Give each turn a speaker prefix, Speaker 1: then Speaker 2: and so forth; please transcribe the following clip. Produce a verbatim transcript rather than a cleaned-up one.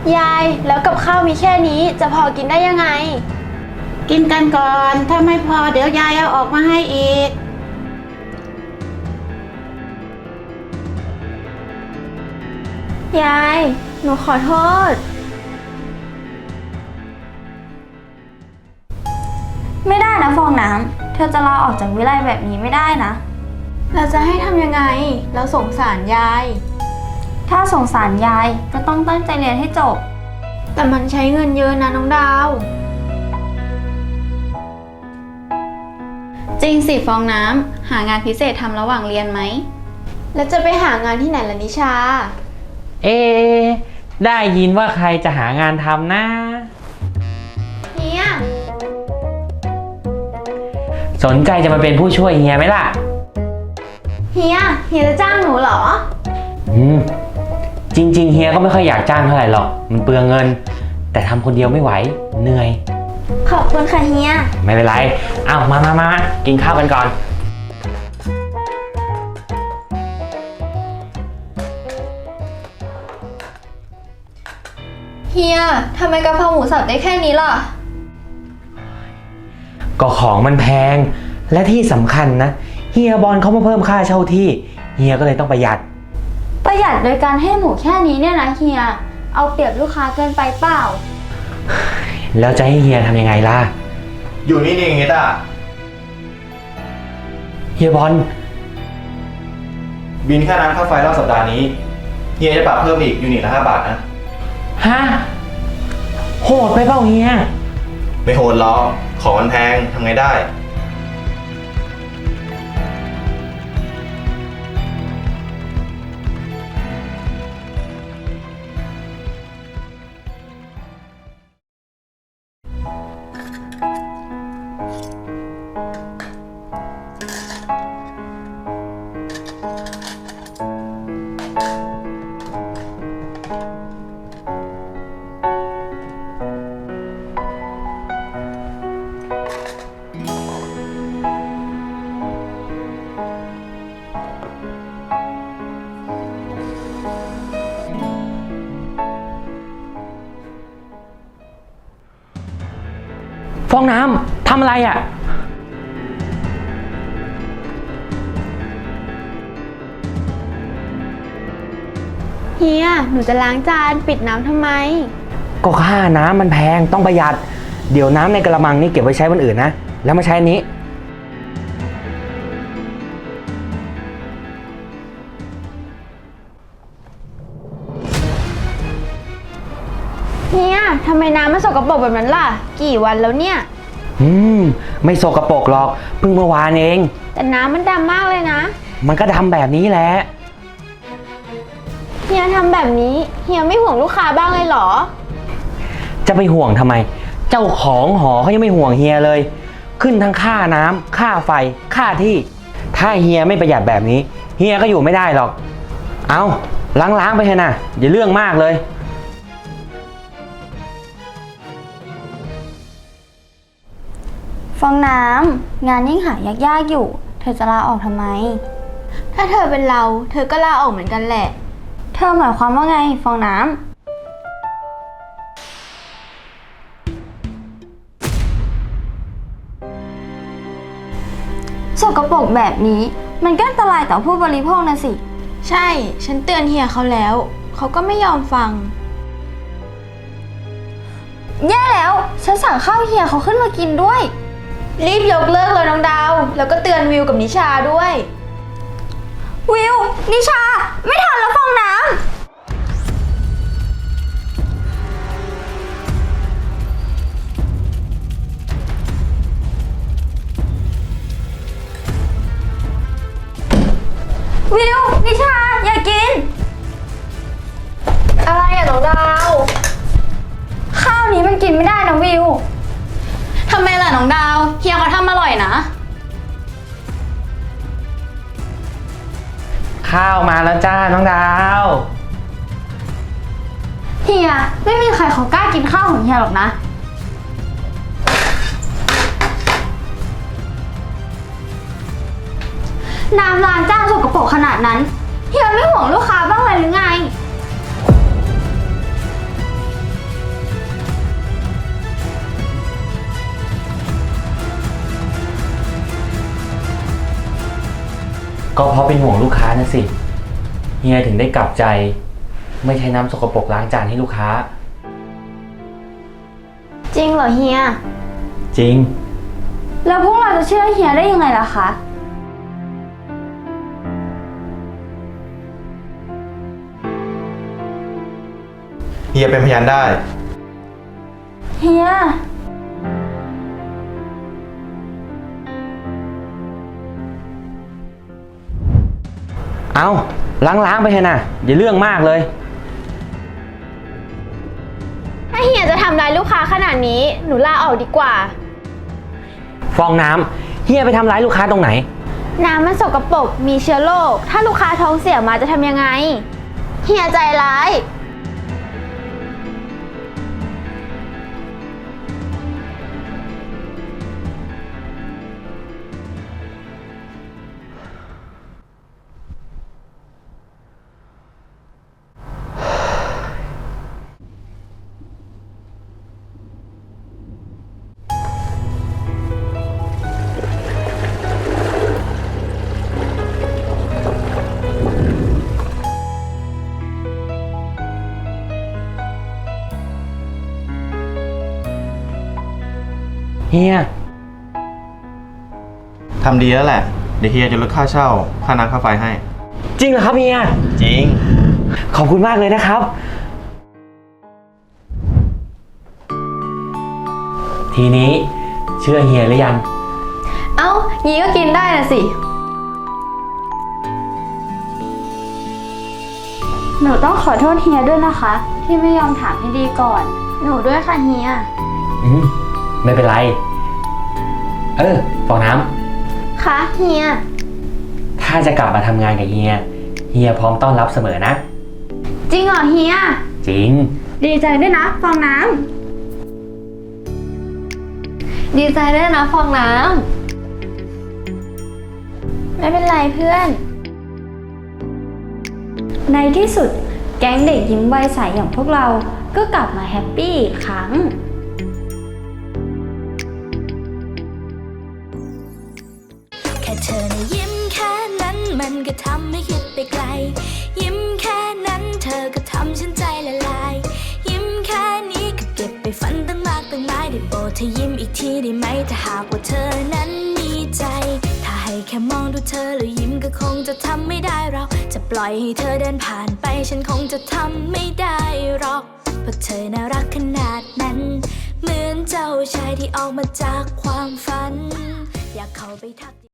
Speaker 1: ยายแล้วกับข้าวมีแค่นี้จะพอกินได้ยังไง
Speaker 2: กินกันก่อนถ้าไม่พอเดี๋ยวยายเอาออกมาให้อีก
Speaker 1: ยายหนูขอโทษ
Speaker 3: ไม่ได้นะฟองน้ำเธอจะลาออกจากวิไลแบบนี้ไม่ได้นะ
Speaker 1: เราจะให้ทำยังไงเราสงสารยาย
Speaker 3: ถ้าสงสารยายก็ต้องตั้งใจเรียนให้จบ
Speaker 1: แต่มันใช้เงินเยอะนะน้องดาว
Speaker 4: จริงสิฟองน้ำหางานพิเศษทำระหว่างเรียนไหม
Speaker 1: แล้วจะไปหางานที่ไหนล่ะนิชา
Speaker 5: เอ๊ได้ยินว่าใครจะหางานทำนะ
Speaker 1: เฮีย
Speaker 5: สนใจจะมาเป็นผู้ช่วยเฮียไหมล่ะ
Speaker 1: เฮียเฮียจะจ้างหนูเหรอ
Speaker 5: อืมจริงๆเฮียก็ไม่ค่อยอยากจ้างเท่าไหร่หรอกมันเปลืองเงินแต่ทำคนเดียวไม่ไหวเหนื่อย
Speaker 1: ขอบคุณค่ะเฮีย
Speaker 5: ไม่เป็นไรเอามามามากินข้าวกันก่อน
Speaker 3: เฮียทำไมกะเพราหมูสับได้แค่นี้ล่ะ
Speaker 5: ก็ของมันแพงและที่สำคัญนะเฮียบอลเขามาเพิ่มค่าเช่าที่เฮียก็เลยต้องประหยัด
Speaker 3: ประหยัดโดยการให้หมูแค่นี้เนี่ยนะเฮียเอาเปรียบลูกค้าเกินไปเปล่า
Speaker 5: แล้วจะให้เฮียทำยังไงล่ะ
Speaker 6: อยู่นี่นี่ไงต้า
Speaker 5: เฮียบอล
Speaker 6: บินค่าน้ำค่าไฟรอบสัปดาห์นี้เฮียจะปรับเพิ่มอีกยูนิตละห้าบาทนะ
Speaker 5: ฮะโหดไปเปล่าเฮีย
Speaker 6: ไม่โหดหรอกของมันแพงทำไงได้
Speaker 5: ฟองน้ำทำอะไรอ่ะ
Speaker 1: เฮียหนูจะล้างจานปิดน้ำทำไม
Speaker 5: ก็ค่าน้ำมันแพงต้องประหยัดเดี๋ยวน้ำในกระมังนี่เก็บไว้ใช้วันอื่นนะแล้วมาใช้อันนี้
Speaker 1: เฮียทำไมน้ำมันสกปรกแบบนั้นล่ะกี่วันแล้วเนี่ย
Speaker 5: อืมไม่สกปรกหรอกเพิ่งเมื่อวานเอง
Speaker 1: แต่น้ำมันดำมากเลยนะ
Speaker 5: มันก็ดำแบบนี้แหละ
Speaker 1: เฮียทำแบบนี้เฮียไม่ห่วงลูกค้าบ้างเลยเหรอ
Speaker 5: จะไปห่วงทำไมเจ้าของหอเขายังไม่ห่วงเฮียเลยขึ้นทั้งค่าน้ำค่าไฟค่าที่ถ้าเฮียไม่ประหยัดแบบนี้เฮียก็อยู่ไม่ได้หรอกเอาล้างๆไปเถอะนะอย่าเรื่องมากเลย
Speaker 3: ฟองน้ำงานยิ่งหายากๆอยู่เธอจะลาออกทำไม
Speaker 1: ถ้าเธอเป็นเราเธอก็ลาออกเหมือนกันแหละ
Speaker 3: เธอหมายความว่าไงฟองน้ำสกปรกแบบนี้มันก็อันตรายต่อผู้บริโภคนะสิ
Speaker 1: ใช่ฉันเตือนเฮียเขาแล้วเขาก็ไม่ยอมฟัง
Speaker 3: แย่แล้วฉันสั่งข้าวเฮียเขาขึ้นมากินด้วย
Speaker 1: รีบยกเลิกเลยน้องดาวแล้วก็เตือนวิวกับนิชาด้วย
Speaker 3: วิวนิชาไม่ทันแล้วฟองน้ำวิวนิชาอย่ากิน
Speaker 1: อะไรอะน้องดาว
Speaker 3: ข้าวนี้มันกินไม่ได้นะวิว
Speaker 4: ทำไมล่ะน้องดาวเฮียเขาทำอร่อยนะ
Speaker 5: ข้าวมาแล้วจ้าน้องดาว
Speaker 3: เฮียไม่มีใครเขากล้ากินข้าวของเฮียหรอกนะน้ำล้างจานสกปรกขนาดนั้นเฮียไม่ห่วงลูกค้าบ้างเลยหรือไง
Speaker 5: ก็เพราะเป็นห่วงลูกค้านะสิ เฮียถึงได้กลับใจ ไม่ใช้น้ำสกปรกล้างจานให้ลูกค้า
Speaker 1: จริงเหรอเฮีย
Speaker 5: จริง
Speaker 3: แล้วพวกเราจะเชื่อเฮียได้ยังไงล่ะคะ
Speaker 6: เฮียเป็นพยานได้
Speaker 3: เฮีย
Speaker 5: เอาล้างๆไปเถอะนะอย่าเรื่องมากเลย
Speaker 1: ถ้าเฮียจะทำร้ายลูกค้าขนาดนี้ หนูลาออกดีกว่า
Speaker 5: ฟองน้ำเฮียไปทำร้ายลูกค้าตรงไหน
Speaker 1: น้ำมันสกปรก มีเชื้อโรค ถ้าลูกค้าท้องเสียมาจะทำยังไง เฮียใจร้าย
Speaker 5: เฮีย
Speaker 6: ทำดีแล้วแหละ เดี๋ยวเฮียจะลดค่าเช่า ค่าน้ำค่าไฟให้
Speaker 5: จริงเหรอครับเฮีย
Speaker 6: จริง
Speaker 5: ขอบคุณมากเลยนะครับ ทีนี้เชื่อเฮียหรือยัง
Speaker 4: เอ้ายีก็กินได้นะสิ
Speaker 3: หนูต้องขอโทษเฮียด้วยนะคะ ที่ไม่ยอมถามให้ดีก่อน
Speaker 1: หนูด้วยค่ะเฮีย
Speaker 5: อืมไม่เป็นไร เออฟองน้
Speaker 1: คะเฮีย
Speaker 5: ำถ้าจะกลับมาทำงานกับเฮีย เฮียพร้อมต้อนรับเสมอนะ
Speaker 1: จริงเหรอเฮีย
Speaker 5: จริง
Speaker 3: ดีใจด้วยนะฟองน้
Speaker 4: ดีใจด้วยนะฟองน้
Speaker 1: ไม่เป็นไรเพื่อน
Speaker 3: ำในที่สุดแก๊งเด็กยิ้มวัยใสอย่างพวกเราก็กลับมาแฮปปี้อีกครั้ง
Speaker 7: แค่เธอนะยิ้มแค่นั้นมันก็ทำให้คิดไปไกล ยิ้มแค่นั้นเธอก็ทำฉันใจละลาย ยิ้มแค่นี้ก็เก็บไปฝันตั้งมากตั้งหลายได้โปรดเธอยิ้มอีกทีได้ไหมถ้าหากว่าเธอนั้นมีใจ ถ้าให้แค่มองดูเธอแล้วยิ้มก็คงจะทำไม่ได้เราจะปล่อยให้เธอเดินผ่านไปฉันคงจะทำไม่ได้หรอกเพราะเธอน่ารักขนาดนั้น เหมือนเจ้าชายที่ออกมาจากความฝัน อยากเข้าไปทัก